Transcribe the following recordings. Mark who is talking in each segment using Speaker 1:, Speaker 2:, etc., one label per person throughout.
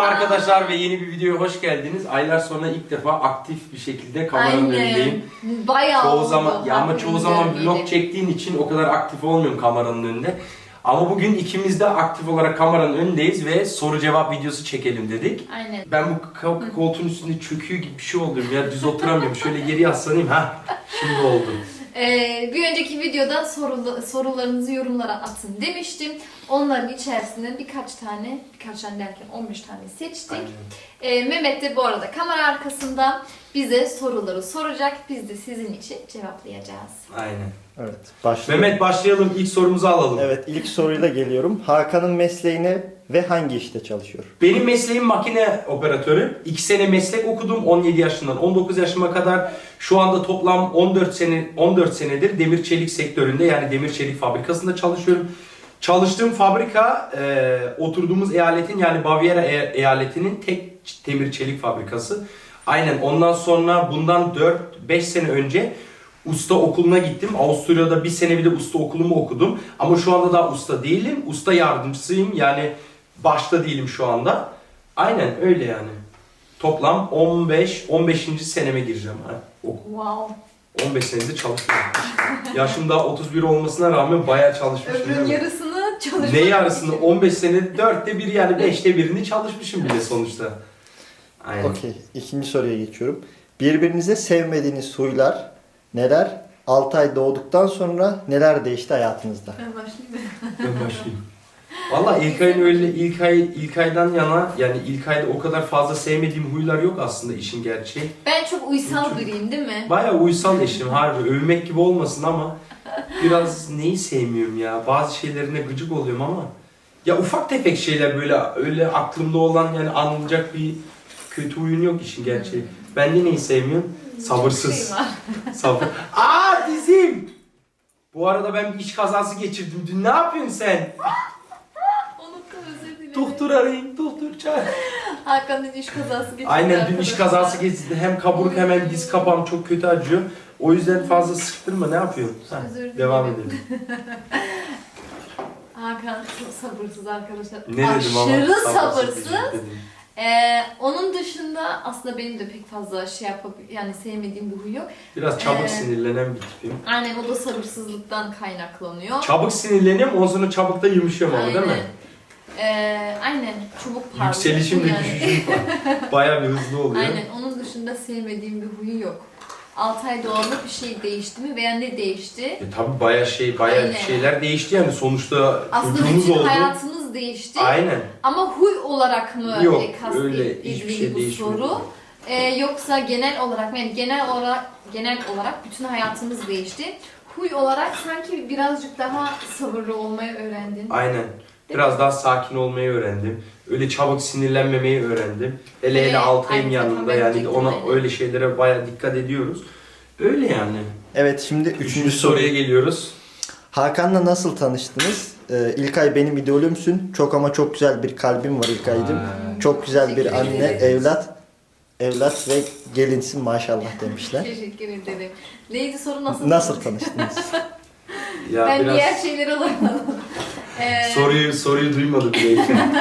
Speaker 1: arkadaşlar ve yeni bir videoya hoş geldiniz. Aylar sonra ilk defa aktif bir şekilde kameranın önündeyim.
Speaker 2: Bayağı
Speaker 1: çoğu
Speaker 2: oldu.
Speaker 1: zaman ya ama çoğu zaman vlog çektiğin için o kadar aktif olmuyorum kameranın önünde. Ama bugün ikimiz de aktif olarak kameranın önündeyiz ve soru cevap videosu çekelim dedik.
Speaker 2: Aynen.
Speaker 1: Ben bu koltuğun üstünde çöküyor gibi bir şey oluyorum ya, düz oturamıyorum. Şöyle geri yaslanayım, şimdi oldu.
Speaker 2: Bir önceki videoda sorularınızı yorumlara atın demiştim. Onların içerisinden birkaç tane derken 15 tane seçtik. Mehmet de bu arada kamera arkasında bize soruları soracak. Biz de sizin için cevaplayacağız.
Speaker 1: Aynen.
Speaker 3: Evet, başlayalım.
Speaker 1: Mehmet, başlayalım. İlk sorumuzu alalım.
Speaker 3: Evet, ilk soruyla geliyorum. Hakan'ın mesleğine ve hangi işte çalışıyor?
Speaker 1: Benim mesleğim makine operatörü. 2 sene meslek okudum 17 yaşından 19 yaşıma kadar. Şu anda toplam 14 senedir demir çelik sektöründe, yani demir çelik fabrikasında çalışıyorum. Çalıştığım fabrika oturduğumuz eyaletin, yani Baviera eyaletinin tek demir çelik fabrikası. Aynen, ondan sonra bundan 4-5 sene önce usta okuluna gittim. Avusturya'da bir sene bir de usta okulumu okudum. Ama şu anda daha usta değilim. Usta yardımcısıyım. Yani başta değilim şu anda. Aynen öyle yani. Toplam 15. seneme gireceğim.
Speaker 2: Wow.
Speaker 1: 15 senedir çalışıyorum. Yaşım daha 31 olmasına rağmen bayağı çalışmışım.
Speaker 2: Ömrün yarısını çalışmak.
Speaker 1: Ne yarısını? 15 sene 4'te 1, yani 5'te 1'ini çalışmışım bile sonuçta. Aynen.
Speaker 3: Okey, ikinci soruya geçiyorum. Birbirinize sevmediğiniz huylar neler? 6 ay doğduktan sonra neler değişti hayatınızda?
Speaker 2: Ben başlayayım mı?
Speaker 1: Ben başlayayım. Valla İlkay'ın öyle ilk aydan yana, yani ilk ayda o kadar fazla sevmediğim huylar yok aslında, işin gerçeği.
Speaker 2: Ben çok uysal biriyim değil mi?
Speaker 1: Bayağı uysal eşim, harbi övmek gibi olmasın ama biraz neyi sevmiyorum ya, bazı şeylerine gıcık oluyorum ama ya ufak tefek şeyler, böyle öyle aklımda olan, yani anılacak bir kötü huyun yok işin gerçeği. Ben de neyi sevmiyorum? Sabırsız. Sabır. Dizim! Bu arada ben bir iş kazası geçirdim. Dün ne yapıyorsun sen?
Speaker 2: Unuttum, özür dilerim.
Speaker 1: Doktor arayın, doktor çağır.
Speaker 2: Hakan'ın iş kazası geçirdi.
Speaker 1: Aynen, dün iş kazası geçirdi. Hem kaburuk hem diz kapağım çok kötü acıyor. O yüzden fazla sıktırma, ne yapıyorsun?
Speaker 2: Özür dilerim.
Speaker 1: Devam edelim.
Speaker 2: Hakan çok sabırsız arkadaşlar.
Speaker 1: Ne dedim ama?
Speaker 2: Aşırı sabırsız.
Speaker 1: dedim.
Speaker 2: Onun dışında aslında benim de pek fazla yani sevmediğim bir huy yok.
Speaker 1: Biraz çabuk sinirlenen bir tipim.
Speaker 2: Aynen, o da sabırsızlıktan kaynaklanıyor.
Speaker 1: Çabuk sinirleniyorum, ondan sonra çabuk da yumuşuyorum ama, değil mi?
Speaker 2: Aynen, çabuk parlıyor.
Speaker 1: Yükselişim de
Speaker 2: yani.
Speaker 1: düşüşüm var. Bayağı bir hızlı oluyor.
Speaker 2: Aynen, onun dışında sevmediğim bir huyu yok. 6 ay doğumda bir şey değişti mi veya ne değişti?
Speaker 1: Tabii bayağı
Speaker 2: Aynen.
Speaker 1: şeyler değişti yani, sonuçta
Speaker 2: Aslında
Speaker 1: çocuğumuz
Speaker 2: bütün
Speaker 1: oldu.
Speaker 2: hayatımız değişti.
Speaker 1: Aynen.
Speaker 2: Ama huy olarak mı
Speaker 1: Yok, öyle hiçbir
Speaker 2: kastedildiği
Speaker 1: şey
Speaker 2: bu
Speaker 1: değişmiyor.
Speaker 2: soru? Yoksa genel olarak mı? Yani genel olarak bütün hayatımız değişti. Huy olarak sanki birazcık daha sabırlı olmayı öğrendin.
Speaker 1: Aynen. Biraz daha sakin olmayı öğrendim. Öyle çabuk sinirlenmemeyi öğrendim. Hele Altay'ın
Speaker 2: aynen,
Speaker 1: yanında,
Speaker 2: ben
Speaker 1: yani
Speaker 2: diyecektim,
Speaker 1: ona
Speaker 2: aynen.
Speaker 1: öyle şeylere bayağı dikkat ediyoruz. Öyle yani.
Speaker 3: Evet, şimdi
Speaker 1: Üçüncü soruya geliyoruz.
Speaker 3: Hakan'la nasıl tanıştınız? İlkay benim idolümsün. Çok ama çok güzel bir kalbim var İlkay'cığım. Çok güzel bir
Speaker 2: Teşekkür
Speaker 3: anne,
Speaker 2: ederim.
Speaker 3: evlat ve gelinsin maşallah demişler.
Speaker 2: Teşekkür ederim. Neydi soru,
Speaker 3: Nasıl tanıştınız?
Speaker 1: Ya
Speaker 2: Ben
Speaker 1: biraz
Speaker 2: diğer şeyleri alamadım.
Speaker 1: soruyu duymadı bile.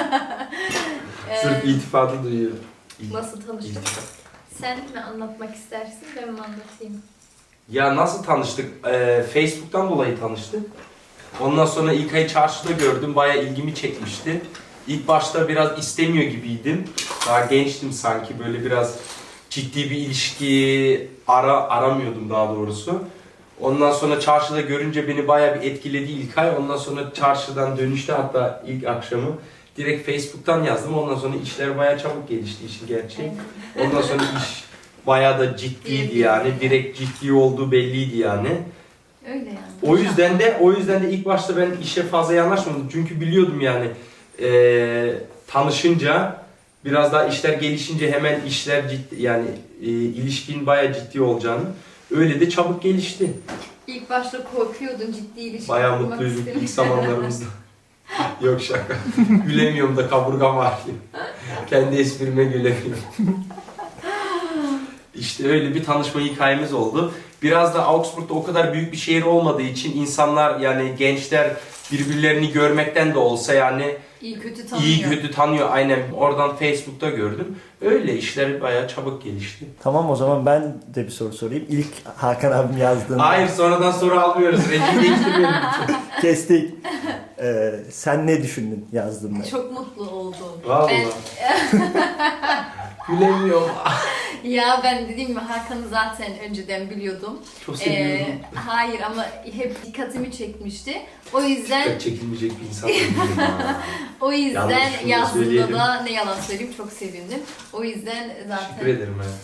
Speaker 1: Sırf iltifatı duyuyor.
Speaker 2: Nasıl tanıştık?
Speaker 1: İltifat.
Speaker 2: Sen mi anlatmak istersin, ben mi anlatayım?
Speaker 1: Ya nasıl tanıştık? Facebook'tan dolayı tanıştık. Ondan sonra İlkay'ı çarşıda gördüm. Bayağı ilgimi çekmişti. İlk başta biraz istemiyor gibiydim. Daha gençtim sanki. Böyle biraz ciddi bir ilişki aramıyordum daha doğrusu. Ondan sonra çarşıda görünce beni bayağı bir etkiledi İlkay. Ondan sonra çarşıdan dönüşte, hatta ilk akşamı direkt Facebook'tan yazdım. Ondan sonra işler bayağı çabuk gelişti, işin gerçeği. Ondan sonra iş bayağı da ciddiydi yani. Direkt ciddi olduğu belliydi yani.
Speaker 2: Öyle yani.
Speaker 1: O yüzden de ilk başta ben işe fazla yanaşmadım. Çünkü biliyordum yani tanışınca, biraz daha işler gelişince hemen işler ciddi, yani ilişkin bayağı ciddi olacağını. Öyle de çabuk gelişti.
Speaker 2: İlk başta korkuyordun, ciddi ilişki
Speaker 1: Bayağı
Speaker 2: kurmak
Speaker 1: mutluyduk
Speaker 2: istemiyordun.
Speaker 1: ilk zamanlarımızda. Yok, şaka. Gülemiyorum da, kaburgam ağrıyor. Kendi esprime gülemiyorum. İşte öyle bir tanışma hikayemiz oldu. Biraz da Augsburg'da o kadar büyük bir şehir olmadığı için insanlar yani gençler birbirlerini görmekten de olsa yani
Speaker 2: İyi kötü tanıyor.
Speaker 1: iyi kötü tanıyor. Aynen oradan Facebook'ta gördüm. Öyle işler bayağı çabuk gelişti.
Speaker 3: Tamam, o zaman ben de bir soru sorayım. İlk Hakan abim yazdığında...
Speaker 1: Hayır, sonradan soru almıyoruz. Rengi değiştirmeyelim.
Speaker 3: Kestik. Sen ne düşündün yazdığında?
Speaker 2: Çok mutlu oldum.
Speaker 1: Vallahi. Gülemiyorum.
Speaker 2: Ya ben dediğim gibi Hakan'ı zaten önceden biliyordum.
Speaker 1: Çok seviyorum.
Speaker 2: Hayır ama hep dikkatimi çekmişti. O yüzden
Speaker 1: Dikkat çekilmeyecek bir insan değilim ha.
Speaker 2: o yüzden
Speaker 1: Yalnız şunu da
Speaker 2: yazdığında
Speaker 1: söyleyelim.
Speaker 2: da ne yalan söyleyeyim çok sevindim. O yüzden
Speaker 1: Teşekkür
Speaker 2: zaten
Speaker 1: ederim ha.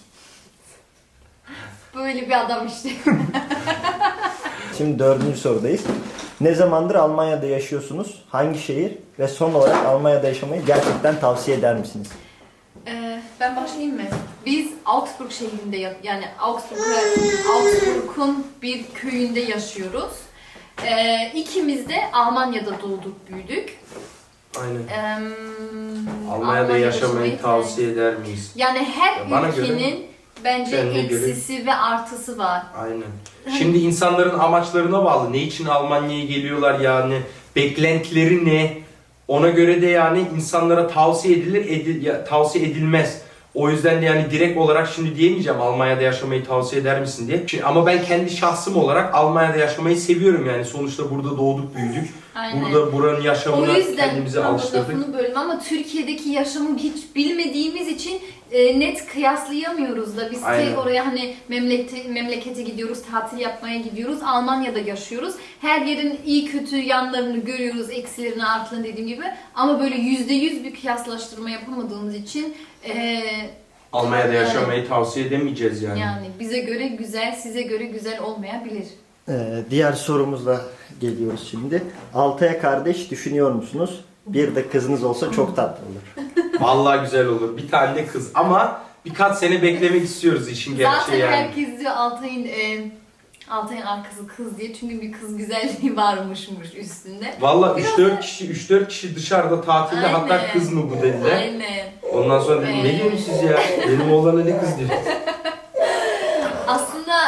Speaker 2: böyle bir adam işte.
Speaker 3: Şimdi 4. sorudayız. Ne zamandır Almanya'da yaşıyorsunuz? Hangi şehir? Ve son olarak Almanya'da yaşamayı gerçekten tavsiye eder misiniz?
Speaker 2: Ben başlayayım mı? Biz Augsburg şehrinde yani Augsburg'un bir köyünde yaşıyoruz. İkimiz de Almanya'da doğduk, büyüdük.
Speaker 1: Aynen. Almanya'da yaşamayı tavsiye eder miyiz?
Speaker 2: Yani her
Speaker 1: Bana
Speaker 2: ülkenin bence
Speaker 1: kendine göre-
Speaker 2: eksisi ve artısı var.
Speaker 1: Aynen. Şimdi insanların amaçlarına bağlı. Ne için Almanya'ya geliyorlar yani? Beklentileri ne? Ona göre de yani insanlara tavsiye edilir, tavsiye edilmez. O yüzden de yani direkt olarak şimdi diyemeyeceğim Almanya'da yaşamayı tavsiye eder misin diye. Ama ben kendi şahsım olarak Almanya'da yaşamayı seviyorum yani. Sonuçta burada doğduk, büyüdük.
Speaker 2: Aynen.
Speaker 1: Burada buranın
Speaker 2: O
Speaker 1: yaşamına
Speaker 2: yüzden
Speaker 1: kendimizi
Speaker 2: pardon,
Speaker 1: alıştırdık.
Speaker 2: lafını böldüm ama Türkiye'deki yaşamı hiç bilmediğimiz için net kıyaslayamıyoruz da biz
Speaker 1: Aynen.
Speaker 2: tek oraya hani memlekete gidiyoruz, tatil yapmaya gidiyoruz. Almanya'da yaşıyoruz. Her yerin iyi kötü yanlarını görüyoruz, eksilerini, artılarını dediğim gibi. Ama böyle %100 bir kıyaslaştırma yapamadığımız için
Speaker 1: Almanya'da
Speaker 2: Evet.
Speaker 1: yaşamayı tavsiye edemeyeceğiz yani.
Speaker 2: yani bize göre güzel, size göre güzel olmayabilir.
Speaker 3: Diğer sorumuzla geliyoruz şimdi. Altay'a kardeş düşünüyor musunuz? Bir de kızınız olsa çok tatlı olur.
Speaker 1: Vallahi güzel olur. Bir tane de kız ama birkaç sene beklemek istiyoruz işin gerçeği
Speaker 2: Zaten
Speaker 1: yani.
Speaker 2: herkes diyor Altay'ın arkası kız diye çünkü bir kız güzelliği varmışmış üstünde.
Speaker 1: Vallahi
Speaker 2: Biraz
Speaker 1: 3-4 kişi dışarıda tatilde hatta
Speaker 2: Aynen.
Speaker 1: kız mı bu dediler.
Speaker 2: Aynen.
Speaker 1: Ondan sonra dedim ne diyorsunuz siz ya? Benim oğlana ne kız diyor.
Speaker 2: Aslında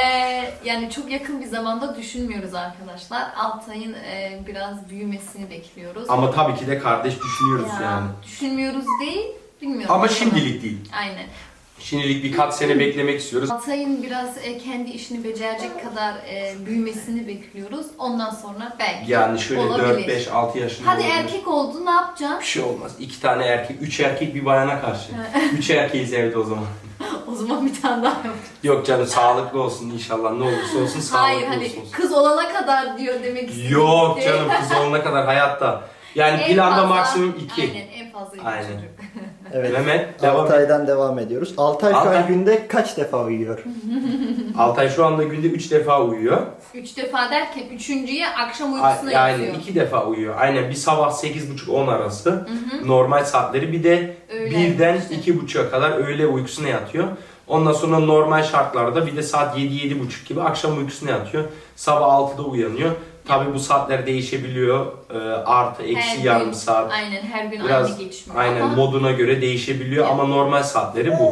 Speaker 2: yani çok yakın bir zamanda düşünmüyoruz arkadaşlar. Altay'ın biraz büyümesini bekliyoruz.
Speaker 1: Ama tabii ki de kardeş düşünüyoruz
Speaker 2: Ya,
Speaker 1: yani.
Speaker 2: düşünmüyoruz değil, bilmiyorum.
Speaker 1: Ama şimdilik değil.
Speaker 2: Aynen.
Speaker 1: Şimdilik birkaç sene beklemek istiyoruz.
Speaker 2: Altay'ın biraz kendi işini becerecek kadar büyümesini bekliyoruz. Ondan sonra belki
Speaker 1: Yani şöyle
Speaker 2: olabilir.
Speaker 1: 4-5-6 yaşında
Speaker 2: Hadi
Speaker 1: olabilir.
Speaker 2: erkek oldu ne yapacaksın?
Speaker 1: Bir şey olmaz. 2 tane erkek, 3 erkek bir bayana karşı. 3 erkeğiz evde o zaman.
Speaker 2: O zaman bir tane daha yap.
Speaker 1: Yok canım sağlıklı olsun inşallah ne olursa olsun sağlıklı
Speaker 2: Hayır hani
Speaker 1: olsun.
Speaker 2: kız olana kadar diyor demek istedim.
Speaker 1: Yok canım kız olana kadar hayatta. Yani
Speaker 2: En
Speaker 1: planda
Speaker 2: fazla-
Speaker 1: maksimum 2.
Speaker 2: Aynen en fazla 2
Speaker 1: Aynen.
Speaker 2: çocuk.
Speaker 3: Evet.
Speaker 1: Mehmet devam et.
Speaker 3: Altay'dan devam ediyoruz. Altay şu
Speaker 1: Altay.
Speaker 3: an günde kaç defa uyuyor?
Speaker 1: Altay şu anda günde 3 defa uyuyor.
Speaker 2: 3 defa derken üçüncüye akşam uykusuna
Speaker 1: Yani
Speaker 2: yatıyor.
Speaker 1: 2 defa uyuyor. Aynen bir sabah 8.30-10 arası normal saatleri bir de
Speaker 2: Öğlen
Speaker 1: 1'den
Speaker 2: işte.
Speaker 1: 2.30'a kadar öğle uykusuna yatıyor. Ondan sonra normal şartlarda bir de saat 7-7.30 gibi akşam uykusuna yatıyor. Sabah 6'da uyanıyor. Tabi bu saatler değişebiliyor. Artı
Speaker 2: Her
Speaker 1: eksi
Speaker 2: gün-
Speaker 1: yarım saat.
Speaker 2: Aynen her gün
Speaker 1: Biraz
Speaker 2: aynı geçmiyor.
Speaker 1: aynen
Speaker 2: ama
Speaker 1: moduna göre değişebiliyor ama normal saatleri bu.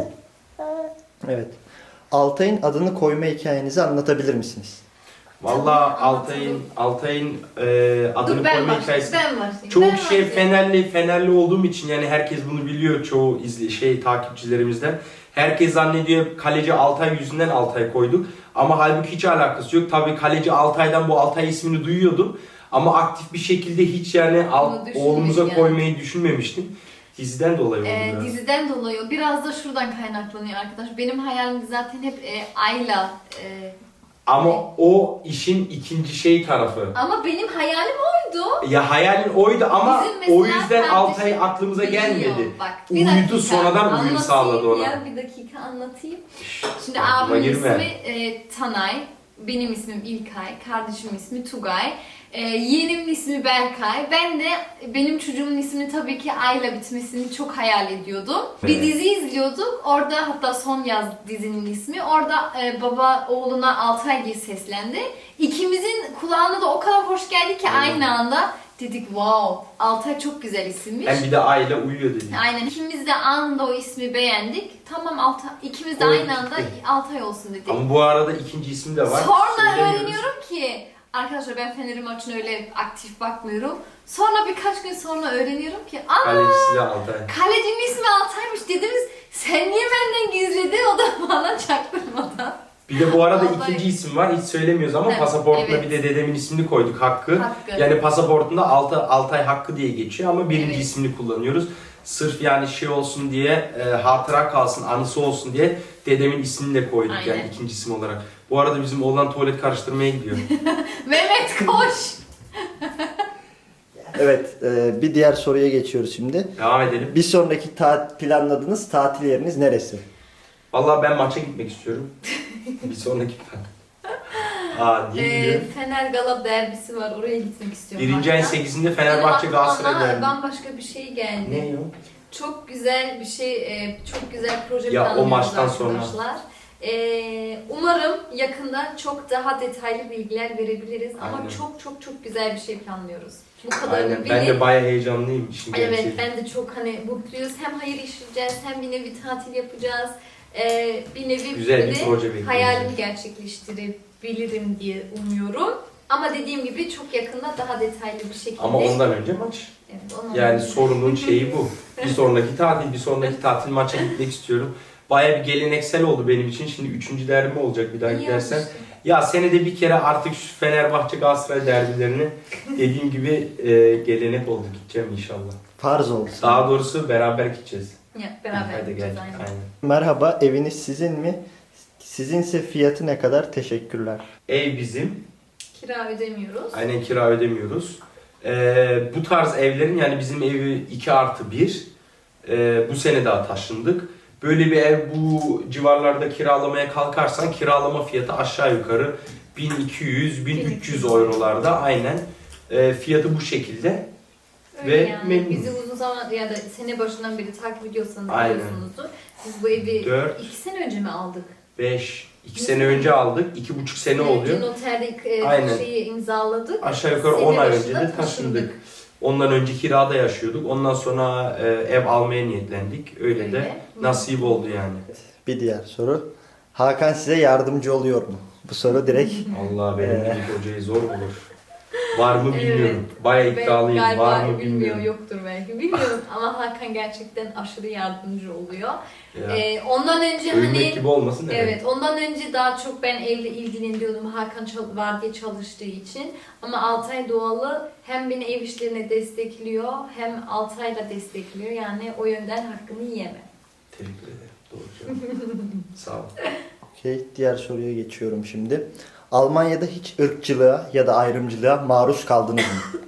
Speaker 3: Evet. Altay'ın adını koyma hikayenizi anlatabilir misiniz?
Speaker 1: Vallahi
Speaker 2: Anlatalım.
Speaker 1: Altay'ın adını
Speaker 2: Dur ben
Speaker 1: koyma
Speaker 2: başlayayım.
Speaker 1: hikayesi.
Speaker 2: Ben başlayayım.
Speaker 1: Çoğu
Speaker 2: ben
Speaker 1: kişi
Speaker 2: başlayayım.
Speaker 1: Fenerli olduğum için yani herkes bunu biliyor çoğu takipçilerimizden. Herkes zannediyor kaleci Altay yüzünden Altay koyduk. Ama halbuki hiç alakası yok. Tabii kaleci Altay'dan bu Altay ismini duyuyordum. Ama aktif bir şekilde hiç yani
Speaker 2: Bunu düşünmedim
Speaker 1: oğlumuza
Speaker 2: yani.
Speaker 1: koymayı düşünmemiştim. Diziden dolayı oldu biraz.
Speaker 2: Diziden dolayı biraz da şuradan kaynaklanıyor arkadaş. Benim hayalim zaten hep Ayla.
Speaker 1: Ama o işin ikinci tarafı.
Speaker 2: Ama benim hayalim oydu.
Speaker 1: Ya hayalin oydu ama
Speaker 2: Bizim mesela
Speaker 1: o yüzden
Speaker 2: kardeşim
Speaker 1: Altay aklımıza
Speaker 2: biliyor.
Speaker 1: gelmedi.
Speaker 2: Bak,
Speaker 1: Uyudu,
Speaker 2: dakika,
Speaker 1: sonradan uyum
Speaker 2: anlatayım
Speaker 1: sağladı ona.
Speaker 2: Ya, bir dakika anlatayım. Şimdi
Speaker 1: aklıma
Speaker 2: abimin
Speaker 1: girme.
Speaker 2: ismi Tanay, benim ismim İlkay, kardeşimin ismi Tugay, yeğenimin ismi Berkay. Ben de benim çocuğumun ismini tabii ki Ayla bitmesini çok hayal ediyordum. Bir
Speaker 1: Evet.
Speaker 2: dizi izliyorduk. Orada hatta Son Yaz dizinin ismi. Orada baba oğluna Altay diye seslendi. İkimizin kulağına da o kadar hoş geldi ki
Speaker 1: Aynen.
Speaker 2: aynı anda Dedik wow, Altay çok güzel isimmiş.
Speaker 1: Hem bir de aile uyuyor dedik.
Speaker 2: Aynen. İkimiz de anında o ismi beğendik. Tamam Altay, ikimiz de
Speaker 1: Koyduk
Speaker 2: aynı anda
Speaker 1: gitti.
Speaker 2: Altay olsun dedik.
Speaker 1: Ama bu arada ikinci ismi de var.
Speaker 2: Sonra
Speaker 1: Söylemiyoruz.
Speaker 2: öğreniyorum ki arkadaşlar ben Fener'in maçına öyle aktif bakmıyorum. Sonra birkaç gün sonra öğreniyorum ki
Speaker 1: Kalecisi de Altay.
Speaker 2: kalecinin ismi Altay'mış dediniz. Sen niye benden gizledin? O da bana çaktırmadan.
Speaker 1: Bir de bu arada
Speaker 2: Vallahi-
Speaker 1: ikinci isim var. Hiç söylemiyoruz ama
Speaker 2: Evet,
Speaker 1: pasaportuna
Speaker 2: evet.
Speaker 1: bir de dedemin ismini koyduk Hakkı.
Speaker 2: Hakkı.
Speaker 1: Yani pasaportunda Altay Hakkı diye geçiyor ama birinci
Speaker 2: Evet.
Speaker 1: ismini kullanıyoruz. Sırf yani şey olsun diye, hatıra kalsın, anısı olsun diye dedemin ismini de koyduk
Speaker 2: Aynen.
Speaker 1: yani ikinci isim olarak. Bu arada bizim oğlan tuvalet karıştırmaya gidiyor.
Speaker 2: Mehmet koş.
Speaker 3: Evet, bir diğer soruya geçiyoruz şimdi.
Speaker 1: Devam edelim.
Speaker 3: Bir sonraki planladığınız tatil yeriniz neresi?
Speaker 1: Vallahi ben maça gitmek istiyorum. Bir sonraki plan. Niye gidiyor?
Speaker 2: Fener Galatasaray derbisi var. Oraya gitmek istiyorum.
Speaker 1: Birinci ayın
Speaker 2: hatta.
Speaker 1: 8'inde Fenerbahçe
Speaker 2: Benim
Speaker 1: Galatasaray
Speaker 2: aklıma
Speaker 1: derbi.
Speaker 2: bambaşka bir şey geldi.
Speaker 1: Ne o?
Speaker 2: Çok güzel bir şey, çok güzel proje
Speaker 1: Ya, o
Speaker 2: planlıyoruz
Speaker 1: maçtan sonra.
Speaker 2: arkadaşlar. Umarım yakında çok daha detaylı bilgiler verebiliriz ama
Speaker 1: Aynen.
Speaker 2: çok güzel bir şey planlıyoruz. Bu kadarını
Speaker 1: Aynen.
Speaker 2: bilin.
Speaker 1: Ben de bayağı heyecanlıyım işin
Speaker 2: Evet,
Speaker 1: gerçeği.
Speaker 2: ben de çok hani mutluyuz. Hem hayır işleyeceğiz, hem bir nevi tatil yapacağız. Bir nevi
Speaker 1: Güzel bir
Speaker 2: böyle
Speaker 1: proje bekliyoruz.
Speaker 2: hayalimi gerçekleştirebilirim diye umuyorum. Ama dediğim gibi çok yakında daha detaylı bir şekilde.
Speaker 1: Ama ondan önce maç.
Speaker 2: Evet, ondan
Speaker 1: Yani
Speaker 2: önce.
Speaker 1: sorunun şeyi bu. Bir sonraki tatil maça gitmek istiyorum. Bayağı bir geleneksel oldu benim için. Şimdi 3. derbi olacak bir daha
Speaker 2: İyi
Speaker 1: gidersen.
Speaker 2: olmuş.
Speaker 1: Ya senede bir kere artık şu Fenerbahçe Galatasaray derbilerini dediğim gibi gelenek oldu. Gideceğim inşallah.
Speaker 3: Farz olsun.
Speaker 1: Daha doğrusu beraber gideceğiz.
Speaker 2: Ya, beraber
Speaker 1: Hadi
Speaker 2: gideceğiz
Speaker 1: gel.
Speaker 2: aynen.
Speaker 1: Aynen.
Speaker 3: Merhaba, eviniz sizin mi? Sizinse fiyatı ne kadar? Teşekkürler.
Speaker 1: Ev bizim.
Speaker 2: Kira ödemiyoruz.
Speaker 1: Aynen, kira ödemiyoruz. Bu tarz evlerin, yani bizim evi 2+1. Bu sene daha taşındık. Böyle bir ev bu civarlarda kiralamaya kalkarsan kiralama fiyatı aşağı yukarı 1200-1300 eurolarda, aynen. Fiyatı bu şekilde.
Speaker 2: Öyle
Speaker 1: Ve
Speaker 2: yani.
Speaker 1: memnunuz.
Speaker 2: Bizi uzun zaman ya da sene başından beri takip ediyorsanız
Speaker 1: Aynen.
Speaker 2: biliyorsunuzdur. Biz bu evi
Speaker 1: Dört.
Speaker 2: 2 sene önce mi aldık?
Speaker 1: 2 sene önce aldık. 2,5 sene oluyor.
Speaker 2: Noterde
Speaker 1: Aynen.
Speaker 2: şeyi imzaladık.
Speaker 1: Aşağı yukarı
Speaker 2: Sene
Speaker 1: 10 ay önce
Speaker 2: başında
Speaker 1: de taşındık. Ondan önce kirada yaşıyorduk. Ondan sonra ev almaya niyetlendik. Öyle de
Speaker 2: Öyle.
Speaker 1: nasip oldu yani.
Speaker 3: Bir diğer soru. Hakan size yardımcı oluyor mu? Bu soru direkt
Speaker 1: Allah, benim gibi hocayı zor bulur. Var mı bilmiyorum.
Speaker 2: Evet.
Speaker 1: Bayağı iddialıyım.
Speaker 2: Galiba
Speaker 1: Var mı
Speaker 2: bilmiyor,
Speaker 1: bilmiyorum.
Speaker 2: yoktur belki. Bilmiyorum ama Hakan gerçekten aşırı yardımcı oluyor.
Speaker 1: Ya,
Speaker 2: Ondan önce
Speaker 1: övünmek
Speaker 2: hani
Speaker 1: gibi olmasın,
Speaker 2: evet, ondan önce daha çok ben evle ilgileniyordum Hakan var diye çalıştığı için. Ama Altay Doğalı hem beni ev işlerine destekliyor hem Altay'la destekliyor. Yani o yönden hakkını yiyemem.
Speaker 1: Teşekkür ederim. Doğru cevap. Sağ ol.
Speaker 3: okey. Diğer soruya geçiyorum şimdi. Almanya'da hiç ırkçılığa ya da ayrımcılığa maruz kaldınız mı?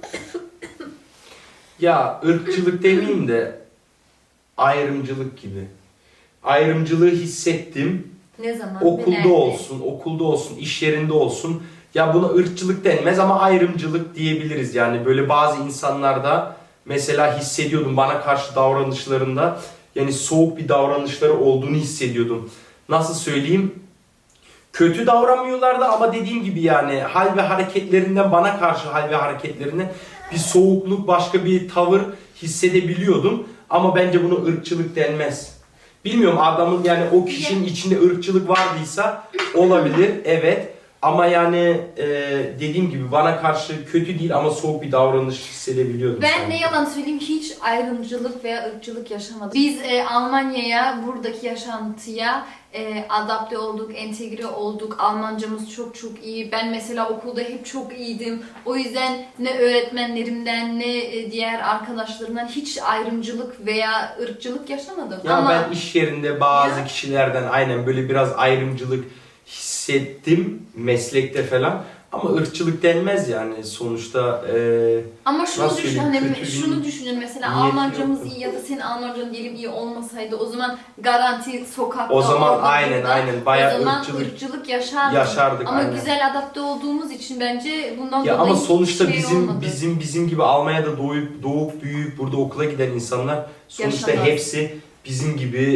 Speaker 1: Ya, ırkçılık demeyeyim de ayrımcılık gibi. Ayrımcılığı hissettim.
Speaker 2: Ne zaman? ve
Speaker 1: Okulda
Speaker 2: nerede?
Speaker 1: okulda olsun, iş yerinde olsun. Ya buna ırkçılık denmez ama ayrımcılık diyebiliriz. Yani böyle bazı insanlarda mesela hissediyordum, bana karşı davranışlarında yani soğuk bir davranışları olduğunu hissediyordum. Nasıl söyleyeyim? Kötü davranmıyorlardı ama dediğim gibi yani hal ve hareketlerinden, bana karşı hal ve hareketlerinden bir soğukluk, başka bir tavır hissedebiliyordum. Ama bence buna ırkçılık denmez. Bilmiyorum, adamın yani o kişinin içinde ırkçılık vardıysa olabilir, evet. Ama yani dediğim gibi bana karşı kötü değil ama soğuk bir davranış hissedebiliyordum.
Speaker 2: Ben
Speaker 1: sanki.
Speaker 2: ne yalan söyleyeyim, hiç ayrımcılık veya ırkçılık yaşamadım. Biz Almanya'ya, buradaki yaşantıya adapte olduk, entegre olduk. Almancamız çok iyi. Ben mesela okulda hep çok iyiydim. O yüzden ne öğretmenlerimden ne diğer arkadaşlarımdan hiç ayrımcılık veya ırkçılık yaşamadım.
Speaker 1: Ya
Speaker 2: ama
Speaker 1: ben iş yerinde bazı
Speaker 2: Ya.
Speaker 1: kişilerden aynen böyle biraz ayrımcılık hissettim meslekte falan. Ama ırkçılık denmez yani sonuçta.
Speaker 2: Ama şunu
Speaker 1: Nasıl
Speaker 2: düşün,
Speaker 1: söyleyeyim,
Speaker 2: hani
Speaker 1: kötü bir
Speaker 2: şunu düşünün mesela
Speaker 1: niyeti
Speaker 2: Almancamız
Speaker 1: yoktu.
Speaker 2: iyi ya da senin Almancan diyelim iyi olmasaydı o zaman garanti sokakta
Speaker 1: O zaman
Speaker 2: orada,
Speaker 1: aynen
Speaker 2: burada,
Speaker 1: aynen bayağı
Speaker 2: o zaman
Speaker 1: ırkçılık
Speaker 2: ırkçılık yaşardık.
Speaker 1: yaşardık.
Speaker 2: Ama
Speaker 1: aynen.
Speaker 2: güzel adapte olduğumuz için bence bundan
Speaker 1: Ya
Speaker 2: dolayı
Speaker 1: ama sonuçta
Speaker 2: hiçbir şey olmadı.
Speaker 1: bizim gibi Almanya'da doğup büyüyüp burada okula giden insanlar sonuçta
Speaker 2: Yaşamaz.
Speaker 1: hepsi bizim gibi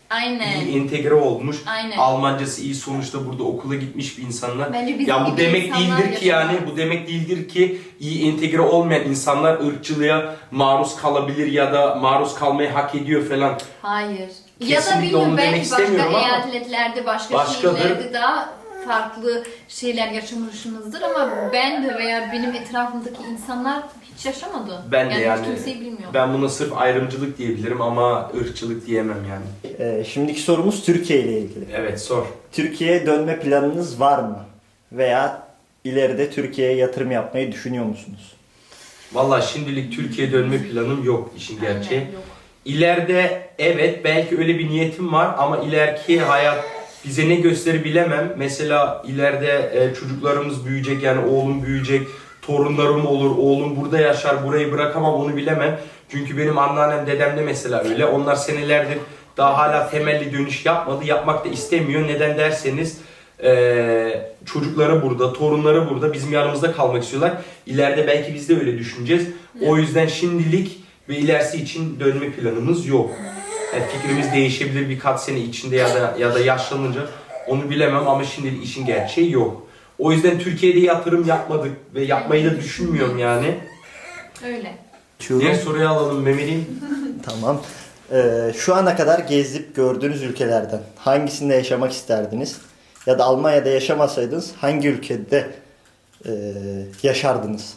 Speaker 2: Aynen.
Speaker 1: iyi entegre olmuş.
Speaker 2: Aynen.
Speaker 1: Almancası iyi, sonuçta burada okula gitmiş bir insanlar.
Speaker 2: Bence bizim
Speaker 1: Ya bu
Speaker 2: gibi
Speaker 1: demek
Speaker 2: insanlar
Speaker 1: değildir ki yani,
Speaker 2: yaşamaz.
Speaker 1: bu demek değildir ki iyi entegre olmayan insanlar ırkçılığa maruz kalabilir ya da maruz kalmayı hak ediyor falan.
Speaker 2: Hayır. Ya da
Speaker 1: Kesinlikle
Speaker 2: bilmiyorum,
Speaker 1: onu demek
Speaker 2: belki başka
Speaker 1: istemiyorum ama
Speaker 2: eyaletlerde, başka
Speaker 1: başkadır.
Speaker 2: şehirlerde daha farklı şeyler yaşamışsınızdır ama ben de veya benim etrafımdaki insanlar hiç yaşamadı.
Speaker 1: Ben de yani
Speaker 2: hiç kimseyi bilmiyor.
Speaker 1: ben buna sırf ayrımcılık diyebilirim ama ırkçılık diyemem yani.
Speaker 3: Şimdiki sorumuz Türkiye ile ilgili.
Speaker 1: Evet, sor.
Speaker 3: Türkiye'ye dönme planınız var mı? Veya ileride Türkiye'ye yatırım yapmayı düşünüyor musunuz?
Speaker 1: Vallahi şimdilik Türkiye'ye dönme planım yok, işin gerçeği.
Speaker 2: Aynen, yok.
Speaker 1: İleride evet, belki öyle bir niyetim var ama ileriki hayat bize ne gösterir bilemem. Mesela ileride çocuklarımız büyüyecek, yani oğlum büyüyecek, torunlarım olur, oğlum burada yaşar, burayı bırakamam, onu bilemem. Çünkü benim anneannem, dedem de mesela öyle. Onlar senelerdir daha hala temelli dönüş yapmadı, yapmak da istemiyor. Neden derseniz çocukları burada, torunları burada, bizim yanımızda kalmak istiyorlar. İleride belki biz de öyle düşüneceğiz. O yüzden şimdilik ve ilerisi için dönme planımız yok. Yani fikrimiz değişebilir birkaç sene içinde ya da yaşlanınca, onu bilemem ama şimdilik işin gerçeği yok. O yüzden Türkiye'de yatırım yapmadık ve yapmayı da düşünmüyorum yani.
Speaker 2: Öyle.
Speaker 1: Diğer soruyu alalım Mehmet'im.
Speaker 3: Tamam. Şu ana kadar gezip gördüğünüz ülkelerden hangisinde yaşamak isterdiniz? Ya da Almanya'da yaşamasaydınız hangi ülkede yaşardınız?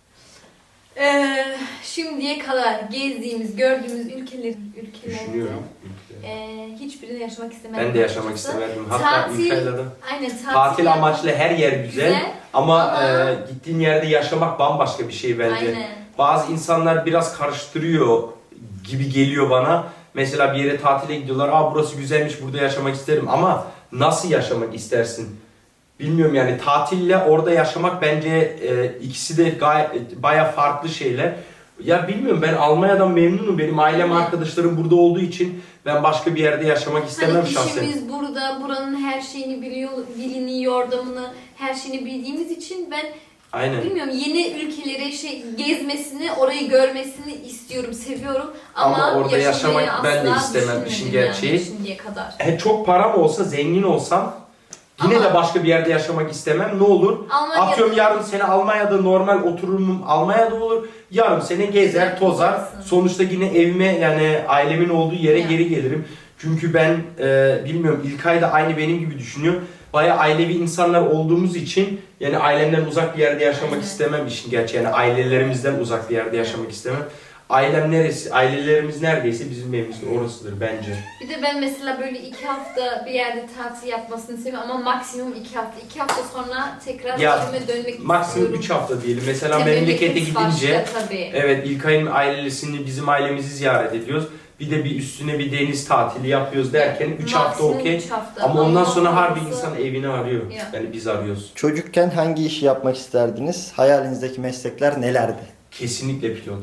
Speaker 2: Şimdiye kadar gezdiğimiz, gördüğümüz ülkelerde
Speaker 1: Düşünüyorum.
Speaker 2: hiçbirinde yaşamak istemedim.
Speaker 1: Ben de yaşamak istemedim. Hatta İtalya'da.
Speaker 2: Aynen,
Speaker 1: Tatil amaçlı her yer güzel. Ama gittiğin yerde yaşamak bambaşka bir şey bence.
Speaker 2: Aynen.
Speaker 1: Bazı insanlar biraz karıştırıyor gibi geliyor bana. Mesela bir yere tatile gidiyorlar. Aa, burası güzelmiş, burada yaşamak isterim. Ama nasıl yaşamak istersin? Bilmiyorum yani, tatille orada yaşamak bence ikisi de baya farklı şeyler. Ya bilmiyorum, ben Almanya'dan memnunum. Benim ailem, arkadaşlarım burada olduğu için ben başka bir yerde yaşamak istemem
Speaker 2: Hani
Speaker 1: şahsen.
Speaker 2: işimiz burada, buranın her şeyini biliyor, dilini, yordamını, her şeyini bildiğimiz için ben
Speaker 1: Aynen.
Speaker 2: bilmiyorum, yeni ülkelere gezmesini, orayı görmesini istiyorum, seviyorum ama
Speaker 1: orada
Speaker 2: yaşamayı
Speaker 1: yaşamak ben de
Speaker 2: asla
Speaker 1: istemem, işin
Speaker 2: düşünmedim
Speaker 1: gerçeği.
Speaker 2: yani şimdiye kadar.
Speaker 1: Çok param olsa, zengin olsam yine
Speaker 2: Ama-
Speaker 1: de başka bir yerde yaşamak istemem. Ne olur?
Speaker 2: Almanya'da-
Speaker 1: Atıyorum yarım sene Almanya'da normal otururum, Almanya'da olur. Yarım sene gezer, tozar.
Speaker 2: Tozarsın.
Speaker 1: Sonuçta yine evime, yani ailemin olduğu yere
Speaker 2: Ya.
Speaker 1: geri gelirim. Çünkü ben bilmiyorum, İlkay da aynı benim gibi düşünüyor. Bayağı ailevi insanlar olduğumuz için yani ailemden uzak bir yerde yaşamak
Speaker 2: Aynen.
Speaker 1: istemem işin gerçeği. Yani ailelerimizden uzak bir yerde yaşamak istemem. Ailem neresi, ailelerimiz neredeyse bizim evimiz orasıdır bence.
Speaker 2: Bir de ben mesela böyle 2 hafta bir yerde tatil yapmasını seviyorum ama maksimum 2 hafta. 2 hafta sonra tekrar
Speaker 1: Ya,
Speaker 2: evime dönmek
Speaker 1: Maksimum
Speaker 2: istiyorum.
Speaker 1: 3 hafta diyelim. Mesela
Speaker 2: Tabii
Speaker 1: memlekete
Speaker 2: memleket
Speaker 1: gidince,
Speaker 2: başka tabii.
Speaker 1: evet, İlkay'ın ailesini, bizim ailemizi ziyaret ediyoruz. Bir de bir üstüne bir deniz tatili yapıyoruz derken 3 hafta
Speaker 2: Maksimum
Speaker 1: okey.
Speaker 2: 3 hafta.
Speaker 1: Ama ondan sonra harbi
Speaker 2: sonrası-
Speaker 1: insan evini arıyor.
Speaker 2: Ya.
Speaker 1: Yani biz arıyoruz.
Speaker 3: Çocukken hangi işi yapmak isterdiniz? Hayalinizdeki meslekler nelerdi?
Speaker 1: Kesinlikle pilot.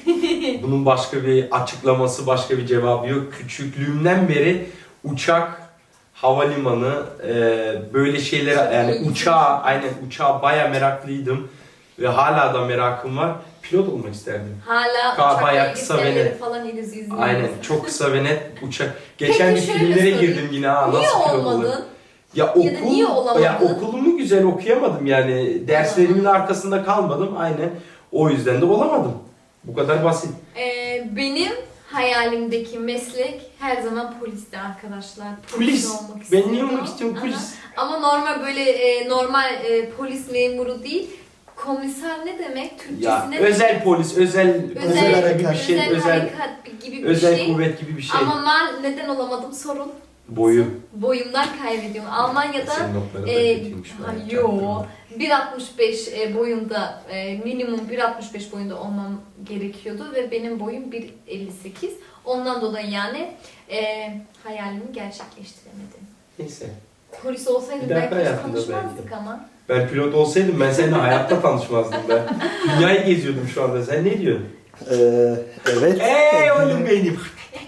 Speaker 1: Bunun başka bir açıklaması, başka bir cevabı yok. Küçüklüğümden beri uçak, havalimanı, böyle şeyler, yani uçağa baya meraklıydım. Ve hala da merakım var. Pilot olmak isterdim.
Speaker 2: Hala
Speaker 1: Bayağı
Speaker 2: uçak
Speaker 1: kısa ve
Speaker 2: bilgisayarları
Speaker 1: net.
Speaker 2: falan izliyoruz.
Speaker 1: Aynen, çok kısa ve net uçak. Geçen bir
Speaker 2: Peki şöyle
Speaker 1: filmlere
Speaker 2: sorayım.
Speaker 1: girdim yine, ha
Speaker 2: Niye
Speaker 1: nasıl pilot olur?
Speaker 2: olmadın?
Speaker 1: Ya
Speaker 2: Ya da niye olamadın?
Speaker 1: okulumu güzel okuyamadım yani. Derslerimin arkasında kalmadım, aynen. O yüzden de olamadım. Bu kadar basit.
Speaker 2: Benim hayalimdeki meslek her zaman polisti arkadaşlar.
Speaker 1: Polis.
Speaker 2: olmak
Speaker 1: Ben
Speaker 2: istiyordum.
Speaker 1: niye olmak istiyorum polis?
Speaker 2: Aha. Ama normal böyle normal polis memuru değil. Komiser ne demek? Türkçesi
Speaker 1: Ya
Speaker 2: ne
Speaker 1: özel
Speaker 2: demek?
Speaker 1: polis, özel
Speaker 3: Özel
Speaker 1: kuvvet gibi bir şey,
Speaker 2: özel
Speaker 1: özel
Speaker 2: harekat gibi bir
Speaker 1: özel
Speaker 2: şey.
Speaker 1: kuvvet gibi bir şey.
Speaker 2: Ama ben neden olamadım sorun.
Speaker 1: Boyu.
Speaker 2: Boyumdan kaybediyorum. Almanya'da
Speaker 1: Senin notların da kötüymüş. ben
Speaker 2: yo
Speaker 1: çaktırmadım.
Speaker 2: 1.65 boyunda minimum 1.65 boyunda olmam gerekiyordu ve benim boyum 1.58. Ondan dolayı yani hayalimi gerçekleştiremedim.
Speaker 1: Neyse.
Speaker 2: Polis olsaydım
Speaker 1: Bir dahaki
Speaker 2: belki
Speaker 1: hayatında
Speaker 2: tanışmazdık
Speaker 1: belki.
Speaker 2: ama.
Speaker 1: Ben pilot olsaydım ben seninle hayatta tanışmazdım ben. Dünyayı geziyordum şu anda. Sen ne diyorsun?
Speaker 3: Evet.
Speaker 1: Ey oğlum benim.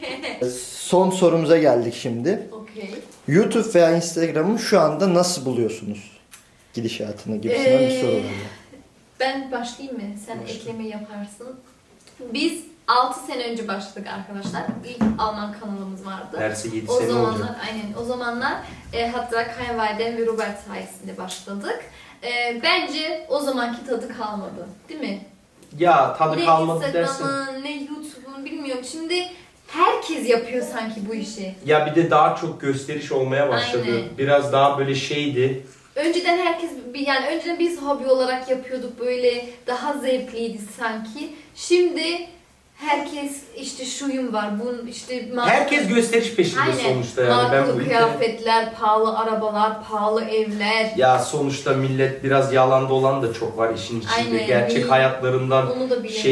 Speaker 3: Son sorumuza geldik şimdi.
Speaker 2: Okey.
Speaker 3: YouTube veya Instagram'ı şu anda nasıl buluyorsunuz? Gidişatını gibisinden bir soru var.
Speaker 2: Ben başlayayım mı? Sen
Speaker 1: Başla.
Speaker 2: ekleme yaparsın. Biz 6 sene önce başladık arkadaşlar. İlk Alman kanalımız vardı.
Speaker 1: Derse 7
Speaker 2: O
Speaker 1: sene
Speaker 2: zamanlar,
Speaker 1: olacak.
Speaker 2: aynen o zamanlar hatta kayınvalidem ve Robert sayesinde başladık. Bence o zamanki tadı kalmadı, değil mi?
Speaker 1: Ya tadı
Speaker 2: Ne
Speaker 1: kalmadı dersin.
Speaker 2: Instagram'ın, ne YouTube'un bilmiyorum. Şimdi herkes yapıyor sanki bu işi.
Speaker 1: Ya bir de daha çok gösteriş olmaya başladı.
Speaker 2: Aynen.
Speaker 1: Biraz daha böyle şeydi.
Speaker 2: Önceden herkes, yani önceden biz hobi olarak yapıyorduk, böyle daha zevkliydi sanki. Şimdi herkes işte şuyum var, bunun işte
Speaker 1: Herkes gösteriş peşinde
Speaker 2: aynen,
Speaker 1: sonuçta yani. Ben
Speaker 2: markalı
Speaker 1: bu
Speaker 2: kıyafetler, pahalı arabalar, pahalı evler.
Speaker 1: Ya sonuçta millet biraz yalan dolan da çok var işin içinde.
Speaker 2: Aynen,
Speaker 1: Gerçek
Speaker 2: değil.
Speaker 1: hayatlarından
Speaker 2: Onu da bilemem.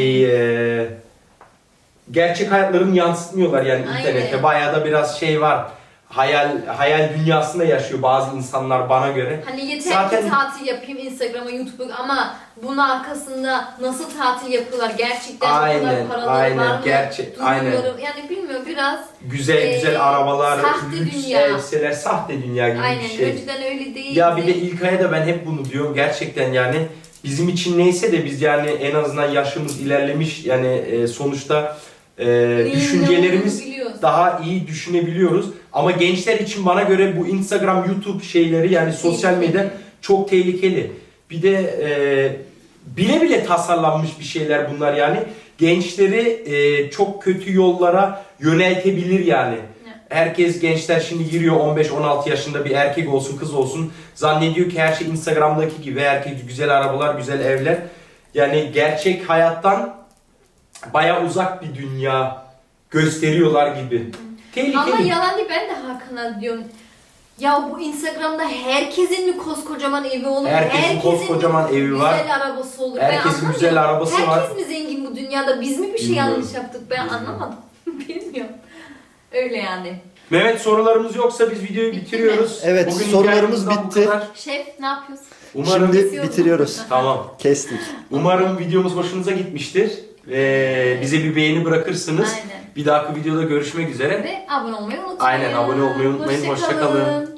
Speaker 1: gerçek hayatlarını yansıtmıyorlar yani
Speaker 2: Aynen.
Speaker 1: internete. Bayağı da biraz şey var. Hayal dünyasında yaşıyor bazı insanlar bana göre.
Speaker 2: Hani yeter
Speaker 1: Zaten-
Speaker 2: ki tatil yapayım Instagram'a, YouTube'a, ama bunun arkasında nasıl tatil yapıyorlar, gerçekten o
Speaker 1: Aynen,
Speaker 2: kadar paraları
Speaker 1: aynen,
Speaker 2: var mı?
Speaker 1: aynen.
Speaker 2: Duyuyorum. Yani bilmiyorum, biraz
Speaker 1: Güzel arabalar,
Speaker 2: sahte
Speaker 1: lüks
Speaker 2: dünya.
Speaker 1: elbiseler, sahte dünya gibi
Speaker 2: aynen
Speaker 1: bir şey.
Speaker 2: önceden öyle değildi.
Speaker 1: Ya bir de İlkay'a da ben hep bunu diyorum gerçekten yani bizim için neyse de biz yani en azından yaşımız ilerlemiş yani sonuçta
Speaker 2: Neyin ne
Speaker 1: düşüncelerimiz
Speaker 2: olduğunu biliyoruz.
Speaker 1: daha iyi düşünebiliyoruz. Ama gençler için bana göre bu Instagram, YouTube şeyleri yani sosyal
Speaker 2: Tehlikeli.
Speaker 1: medya çok tehlikeli. Bir de bile bile tasarlanmış bir şeyler bunlar yani. Gençleri çok kötü yollara yöneltebilir yani. Herkes gençler şimdi giriyor 15-16 yaşında bir erkek olsun kız olsun zannediyor ki her şey Instagram'daki gibi herkes güzel arabalar güzel evler yani gerçek hayattan baya uzak bir dünya gösteriyorlar gibi. Tehlikeli.
Speaker 2: Ama yalan değil, ben de Hakan'a diyorum. Ya bu Instagram'da herkesin mi koskocaman evi olur?
Speaker 1: Herkesin koskocaman evi var.
Speaker 2: Güzel arabası olur.
Speaker 1: Herkesin
Speaker 2: anlamıyorum.
Speaker 1: güzel arabası var.
Speaker 2: Herkes mi zengin bu dünyada? Biz mi bir şey
Speaker 1: Bilmiyorum.
Speaker 2: yanlış yaptık? Ben
Speaker 1: Bilmiyorum.
Speaker 2: anlamadım. Bilmiyorum. Öyle yani.
Speaker 1: Mehmet sorularımız yoksa biz videoyu
Speaker 2: Bitti
Speaker 1: bitiriyoruz.
Speaker 3: Evet,
Speaker 1: Bugün
Speaker 3: sorularımız
Speaker 1: hikayemizden bu
Speaker 3: bitti.
Speaker 1: kadar.
Speaker 2: Şef ne yapıyorsun?
Speaker 1: Umarım
Speaker 3: Şimdi bitiriyoruz.
Speaker 1: tamam.
Speaker 3: Kestik.
Speaker 1: Umarım videomuz hoşunuza gitmiştir. Bize bir beğeni bırakırsınız.
Speaker 2: Aynen.
Speaker 1: Bir dahaki videoda görüşmek üzere.
Speaker 2: Ve abone olmayı unutmayın.
Speaker 1: Aynen, abone olmayı unutmayın. Hoşça kalın.